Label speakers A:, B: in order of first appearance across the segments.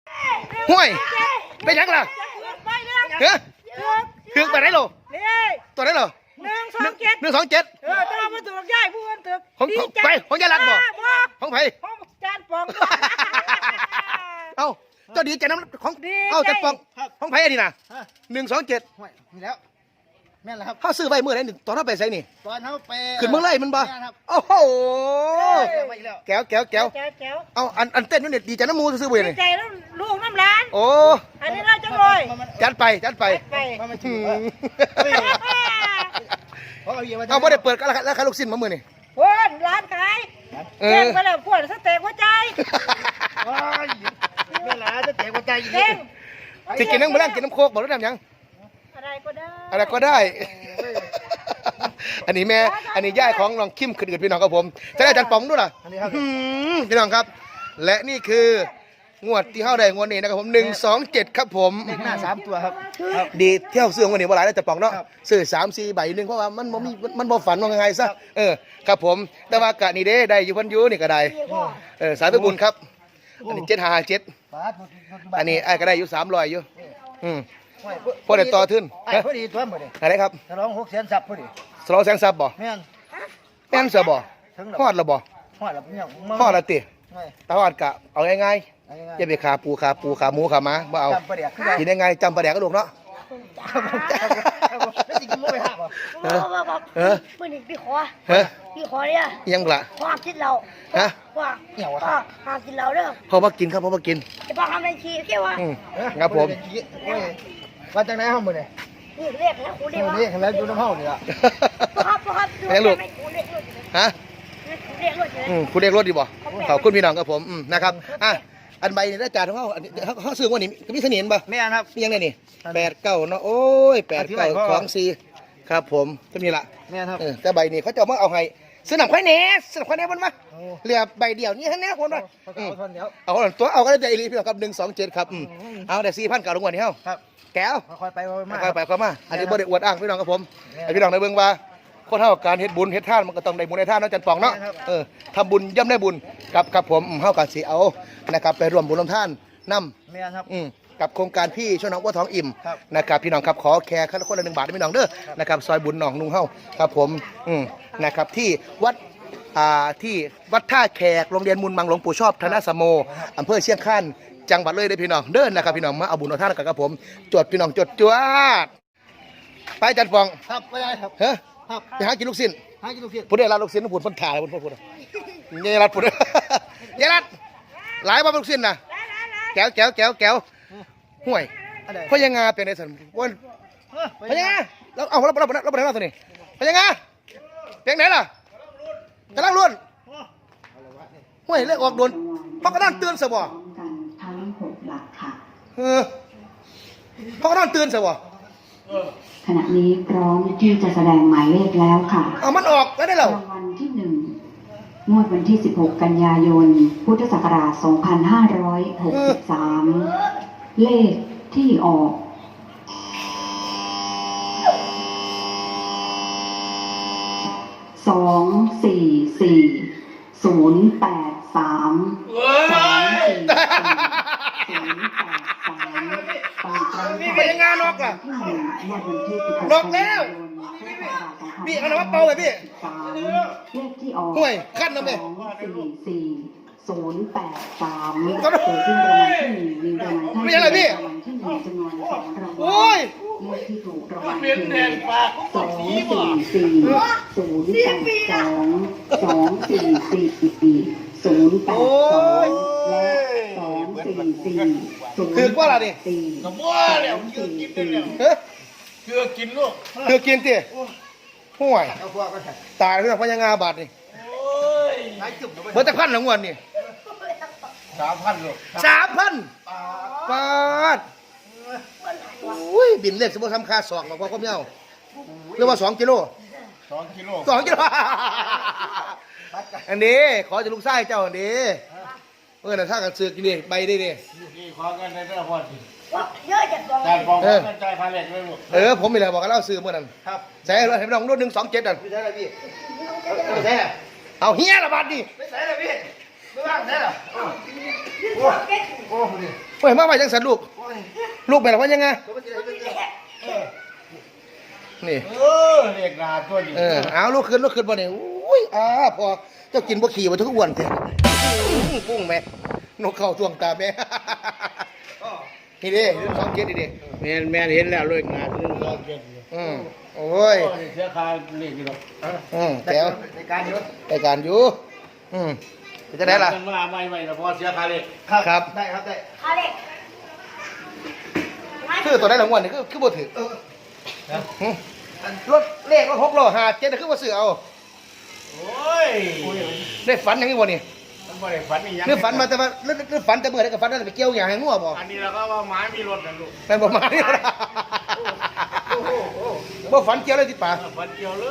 A: ห่วยไปยังล่ะเฮ้ยคือไปไหนโลตัวไหนโล127
B: ต้องมาถูกย่ายผู้คนถูก
A: ของไปของยายรัดบ่ของไผ
B: ของจานปอง
A: เอ้าเจ้าดีใจน้ำของเอ้าจานปองของไผอันนี้น่ะ127
C: ห่วยมีแล้วแม่นแล้วครับ
A: เขาซื้อใบเมื่อไหร่ตอนเขาไปใส่นี่
C: ตอนเขาไป
A: ขึ้นเมื่อไรมันบ่โอ้โหแก้วเอาอันเต้นนี่เนี่ยดีใจน้ำมูซื้อๆบ่ยังไง
B: ดีใจแล้วลูกน้ำร้าน
A: โอ้
B: อันนี้เราจะลอย
A: จัดไปเอาไม่ได้เปิดก็แล้วขายลูกชิ้นมาเมื่อนี่
B: พวนร้านขายเจ๊งไปแล้วพวนสเต็กหัวใจ
C: เวลาจะเตะหัวใจอยู่
B: เจ๊ง
A: จะกินน้ำมะแรงกินน้ำโคกบอกแล้วน้ำยัง
B: อะไรก็ได้
A: อันนี้แม่อันนี้ย่ายของน้องคิมขึ้นพี่น้องครับผมจะได้จันปองด้วยล่ะพี่น้องครับและนี่คืองวดที่เข้าได้งวดนี้นะครับผม127ครับผม
C: เลขหน้า3ตัวครับ
A: ดีเที่ยวซื้อวันนี้ว่าหลายแล้วจะปองเนาะซื้อ3-4 ใบนึงเพราะว่ามันบ่ฝันว่าไงซะครับผมแต่ว่ากะนี่เด้ได้อยู่พันยูนี่ก็ได้สายไปบุญครับอันนี้757อันนี้ไอ้ก็ได้อยู่300อยู่พอได้ต่อทึ้น
C: พอดีตัวหมดเลย
A: อะไรครับ
C: ฉลอง600,000 ซับพอดี
A: ฉลองแสงซับบ่
C: แม่น
A: เสือบ่ฮอดละบ่
C: ฮอดละเนี่ย
A: ฮอดละติตาฮอดกะเอาง่ายๆอย่าไปขาปูขาหมูขาม้าบ่เอากินง่ายๆจำปลาแดกก็ลูกเนาะ
C: แล้วสิกินมื้อไปหาบ่
B: มื้อนี้พี่ขอเนี่ย
A: ยังล่ะ
B: พ่อกินเหล้าพ่อ
C: เหี่ยวอ่ะ
B: พ่อกินเหล้าเด้อ
A: พ่อมากินครับพ่อมากิน
B: จะพ่อทำอะไรขี้แค่ว่า
A: ครับผม
C: ว่าจังไหนเฮามื้อนี้
B: เรียกแล้วกูเรียกว่า
C: เรียกแล้วอยู่น้ำเฮานี่ล่ะ
B: ครับ
A: ลูกฮะ
B: คุณเรียกรถ
A: ดีบ่ขอบคุณพี่น้องครับผมนะครับอันใบนี่ได้จ่ายของเขาซื้อวันนี้มีเสน่ห์ป่ะ
C: แม่นครับ
A: ยังไงนี่89เนาะโอ้ย8924ครับผมจะมีละ
C: แม่นครับ
A: แต่ใบนี้เขาจะมาเอาให้ซื้อหนังควายเนสหนังควายเนสมันมาเหลือใบเดียวนี่ฮะเนี่ยคนมาเอาตัวเอาก็ได้อีลีพี่น้องครับ127ครับเอาแต่4,000กับลงวันนี้เฮาแก้ว
C: ค่อยไป
A: มาอันนี้บ่ได้อวดอ้างพี่น้องครับผมพี่น้องในเบื้องว่าคนเท่าการเฮ็ดบุญเฮ็ดทานมันก็ต้องได้บุญได้ทานเนาะจันปองเนาะทำบุญย่อมได้บุญกับผมเฮาก็สิเอานะครับไปร่วมบุญร่วมทานนำ
C: แม่นครับ
A: กับโครงการพี่ช่วยน้องว่าท้องอิ่มนะครับพี่น้องครับขอแค่คนละ1 บาทพี่น้องเด้อนะครับซอยบุญหนองนุ่งเฮาครับผมนะครับที่วัดท่าแขกโรงเรียนมูลมังหลวงปู่ชอบธนสโมอำเภอเชียงคานจังหวัดเลยได้พี่น้องเดินนะครับพี่น้องมาเอาบุญเอาท่านกับผมจวดพี่น้องจวดไปจันปอง
C: ครับไปได้ครับ
A: ไปหากินลูกชิ้นพูดได้ร้านลูกชิ้นพูดพันถ่ายพูดยายรัดพูดยายรัดหลายบ้านลูกชิ้นนะแก้วห่วยพยังงาเป็นในสันวันพยังงาเราเอาเราไปไหนมาตัวนี้พยังงาเป็นไหนล่ะกำลังล้วนห่วยเลิกออกโดนเพราะกระด้างเตือนสบ
D: ทั้ง6 หลักค่ะ
A: เพราะกระด้างเตือนสบ
D: ขณะนี้พร้อมที่จะแสดงหมายเลขแล้วค่ะ
A: เอามันออกแล้วได้เหรอ
D: รางวัลที่1งวดวันที่16 กันยายนพุทธศักราช2563เลขที่ออก
A: นี่เป็นยังไงนกล่ะนกแล้วพี่เอาหน้าเป่าเลยพี่
D: เลขที่ออก
A: ห่วยขั้นน้ำเลย
D: 083เกิดขึ้นรางวัลที่1รางวัลที่1จำนวน2 รางวัลเลขที่ถูกรางวัลคือ
A: คือว่าอะไรดิ
C: กับว่าแล้วคือกินเลยคือกินลูก
A: คือกินตีห่วยตายเรื่องพญางาบาดนี่เบอร์จะพันหลังวันนี่
C: 3,000ลูก
A: 3,000บาทอุ้ยบินเล็กสมมติทำค่า2บอกว่าก็ไม่เอาเรียกว่า2 กิโลอันนี้ขอจะลูกไส้เจ้าอันนี้แต่ถ้ากับเสือกนี่ใบได้ดิ
C: ขอเงินในเรื่องพอดี
B: เยอะจังเลย
C: การบอกกันใจพาเล็กเลย
A: ลูกผมมีอะไรบอกกันเล่าซื้อเมื่อนั้น
C: ครับ
A: ใส่เลยให้น้องรุ่น127นั่น
C: ไม่ใช่อะไรพี่ไม่ใช่
A: เอาเฮียละบาทดิ
C: ไม่ใช่อะไรพี่ไม่ว่างใช่หรอโอ้
A: โอ้ยมาไปจังสันลูกลูกไปแล้วว่ายังไงนี่
C: เรียกนาตัวนี้
A: เอาลูกขึ้นบ่เนี่ยอุ้ยพอเจ้ากินบ่ขี่บ่ทุกอ้วนเถอะกุ้งแม่นกเข้าท่วงตาแม่นี่ดิของเก็ดดิ
C: แม่เห็นแล้วเลยงานนึงเราเก็บ
A: โอ้ย
C: เสียค่าเรียกอยู่หรอก
A: แก้วรายการอยู่จะได้ล่ะ
C: มาไม่แล้วพอเสียค่าเรียก
A: ครับได้ครับได้
B: อะไร
A: คือตัวได้รางวัลนี่คือบ่ถือรถเลขรถ6ล้อ5 7คือบ่ซื้อเอา
C: โอ้ย
A: ได้ฝันยังไงบ่นี่
C: มันบ่ได้ฝันอีหยัง
A: หรือฝันมาแต่ว่าหรือฝันแต่เมื่อใดก็ฝันได้ไปเกี่ยวหยังให้งัวบ่
C: อันนี้เราก็ว่าหมามีรถนะลูก
A: แม่นบ่มานี่บ่ฝันเกี่ยวเลยติป่า
C: ฝันเกี่ยวเลย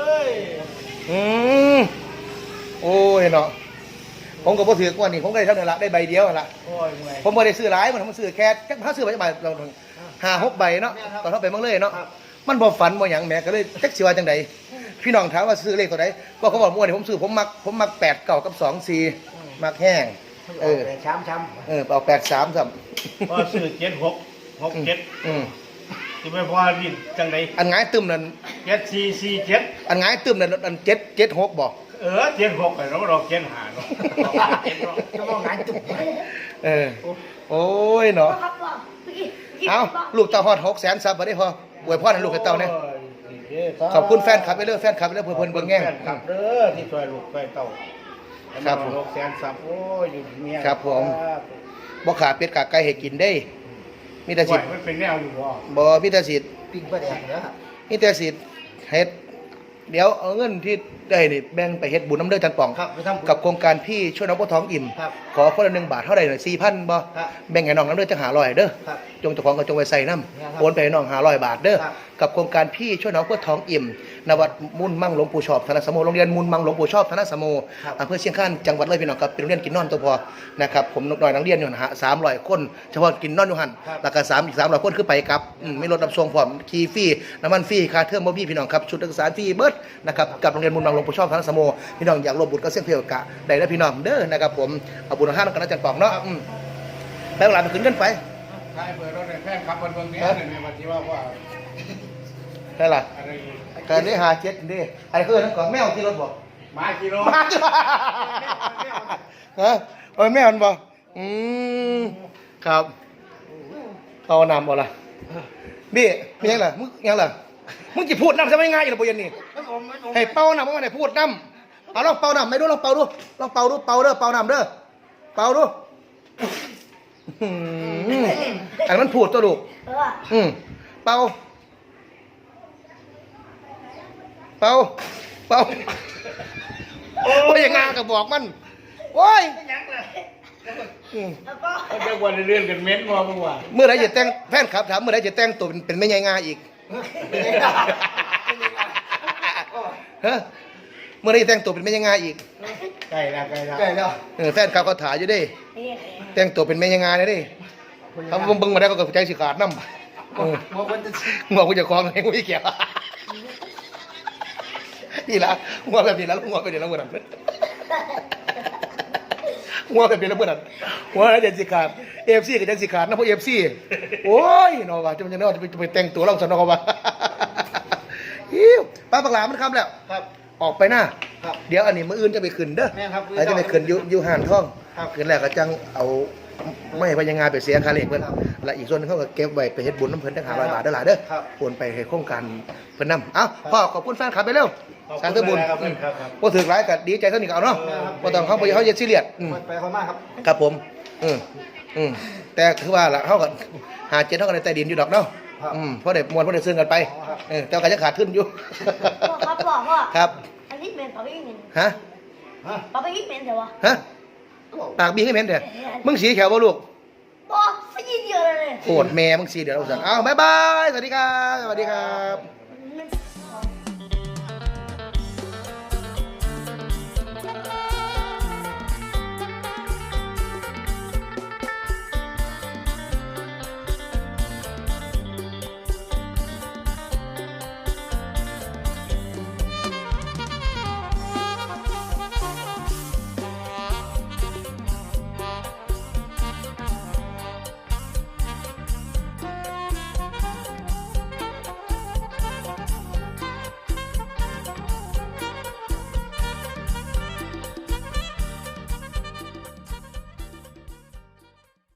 A: โอ้ยเนาะผมก็บ่ถือกว่านี่ผมก็ได้เท่านั้นละได้ใบเดียวนั่นละ
C: โอ้ยเมื่อย
A: ผมบ่ได้ซื้อหลายมันซื้อแค่จักถ้าซื้อไปจักใบเรา5-6ใบเนาะตอนเฮาไปเมืองเลยเนาะมันบ่ฝันบ่หยังแหมก็เลยจักสิว่าจังไดพี่น้องถามว่าซื้อเลขตัวใดก็เขาบอกม่วนนี่ผมซื้อผมมัก8 9กับ2 4มักแห้ง
C: ช้ำ
A: เอา8 3ซ้ำ
C: พอซื้อ7-6-6-7ที่ไม่พอดิจังได
A: อันหงายตึมนั่น
C: 7-4-4-7
A: อันหงายตึมนั่นอัน7 6บ่
C: 7-6ไอ้เรา7-5เนาะจะว่าหงายตุ๊บ
A: โอ้ยเนาะ
B: ครับว่าเมื่อกี้
A: เอาลูกเต่าฮอด600,000ซับบ่ได้พออวยพรให้ลูกให้เต่าเนี่ยขอบคุณแฟนคลับไปเรื่อยแฟนคลับไปเรื่อยเพิ่นเบิ่งแง่ง
C: แฟนคลับเด้อที่ช่วยลูกช่วยเต่า
A: ครับผม
C: 600,000ซับโอ้ยอยู่เมีย
A: ครับผมบ่ขาเป็ดขาไก่ให้กินได้ มีแต่
C: สิ
A: สิ
C: มันเป็นแนวอยู่บ่
A: บ่มีแต่สิ
C: ปิ้งปลาแดกเด้อ
A: มีแต่สิเฮ็ดเดี๋ยวเอาเงินที่ได้นี่แบ่งไปเฮ็ดบุญน้ำเด้อจันป่อง
C: ครับไปทำบุญ
A: กับโครงการพี่ช่วยน้องพ่อท้องอิ่ม
C: ครับ
A: ขอคนละ1 บาทเท่าใดหน่อย 4,000บ่
C: ครับ
A: แบ่งให้น้องน้ำเด้อจัง500เด้อ
C: ครับ
A: จงเจ้าของก็จงไว้ใส่น้
C: ครับ
A: ำโอนไปให้น้อง500 บาทเด้อ
C: ครับ
A: กับโครงการพี่ช่วยน้องเพื่อท้องอิ่มณวัดมุ่นมั่งหลวงปู่ชอบธนสโมโรงเรียนมุ่นมั่งหลวงปู่ชอบธนสโม
C: ครับ
A: อำเภอเชียงคานจังหวัดเลยพี่น้องครับเป็นโรงเรียนกินนอนตัวพอนะครับผมนกน้อยนักเรียนอยู่หั่นฮะ300 คนเฉพาะกินนอนอยู่หั่น
C: ครับ
A: แล้วก็อีก300 คนคือไปกับไม่ลดรับส่งพร้อมขี่ฟรีน้ำมันฟรีค่าเทอมบ่มีพี่น้องครับชุดนักศึกษาฟรีเบิดนะครับกับโรงเรียนมุ่นมั่งหลวงปู่ชอบธนสโมพี่น้องอยากร่วมบุญก็เสี่ยงเพียวกะได้แล้วพี่น้องเด้อนะครับผมเอาบุญห้าน้องกันนะจันป่องเนาะไปเวลาไปขึ้นกันไป
C: ใช่เปิดรถในแฟนคลับเบิ่งเนี่ยในวันที่ว่า
A: ได้ล่ะ
C: อะไร
A: การได้57ดิไอ้คือนั่นก่อนแมวที่รถบอก
C: มากิโล
A: มาจ้ะฮะโอ้ยแม่มันบอกครับเอาน้ำบ่ล่ะบี้มียังล่ะมึงยังล่ะมึงจะพูดน้ำจะไม่ง่ายอยู่หรอปุยันนี่ให้เป่าน้ำมึงให้พูดน้ำเอาลองเป่าน้ำไม่ดูลองเป่าดูลองเป่าดูเป่าเด้อเป่าน้ำเด้อเป่าดูอันมันพูดตัวลูกเป่าเป่าเป่าโอ้ยอย่างงากับบอกมันโอ้ย
B: แล้วก็
C: เขาจะวันเรื่องกันเม้นว่าเมื่อวาน
A: เมื่อไรจะแต่งแฟนครับถามเมื่อไรจะแต่งตัวเป็นไม่ใหญ่งาอีกฮะเมื่อไรจะแต่งตัวเป็นไม่ใหญ่งาอีก
C: ใกล้แล้ว
A: แฟนครับเขาถ่ายอยู่ดิแต่งตัวเป็นไม่ใหญ่งาเลยดิเขาเบิ่งมาได้ก็ใจสิขาดน้ำหัวกูจะคล้องให้กูอีกแก่นี่ละหัวแบบนี้แล้วหัวไปเดี๋ยวแล้วหัวนั่นหัวแบบนี้แล้วหัวนั่นหัวแล้วจะสิขาดFC กับจะสิขาดนะพวก FC โอ้ยเนาะว่าจะมันจะเนาะจะไปแต่งตัวเราสนอว่าป้าปากหลามันคำแล้ว
C: ครับ
A: ออกไปหน้า
C: ครับ
A: เดี๋ยวอันนี้มืออื่นจะไปขึ้นเด้อ
C: แม่ครับ
A: แล้วจะไปขึ้นอยู่ห่านท่อง
C: ครับ
A: ขึ้นแล้วก็จังเอาไม่พยังงานไปเสียค่าเลขเพิ่นและอีกส่วนนึงเขาก็เก็บไว้ไปเฮ็ดบุญน้ำเพิ่นตั้ง500 บาทเด้อหล่ะเด้อ
C: ครับ
A: โอนไปให้โครงการเพิ่นนำเอ้าพ่อขอบคุณแฟนคลับไปเร็ว
C: ขอบคุณ
A: สร้างตัวบุญ
C: ครับ
A: ครับ
C: ครับ
A: บ่ถึกหลายก็ดีใจเท่านี้ก็เอาเนาะบ่ต้องเขาบ่เขาจะซีเรียส
C: ไปคนมากครับ
A: ครับผมแต่คือว่าล่ะเขาก็หาเจ็ดเขาก็ได้ใต้ดินอยู่ดอกเนาะ
C: ครับ
A: เพราะได้มวลเพราะได้ซื้อกันไป
C: อ๋อครับ
A: แต่ก็จะขาดทุนอยู่
B: พ่อครับพ่อ
A: ครับ
B: อันนี้เป็นปาไปอีกเมน
A: ฮะ
B: ปาไปอีกเมนเถอะวะ
A: ฮะปากบีให้เหม็นเถอะมึงสีแขวบ่ลูก
B: พ่อสักทีเดียวเลย
A: โคตรแม่มึงสีเดี๋ยวเราสั่งเอาบ๊ายบาย สวัสดีครับ สวัสดีครับ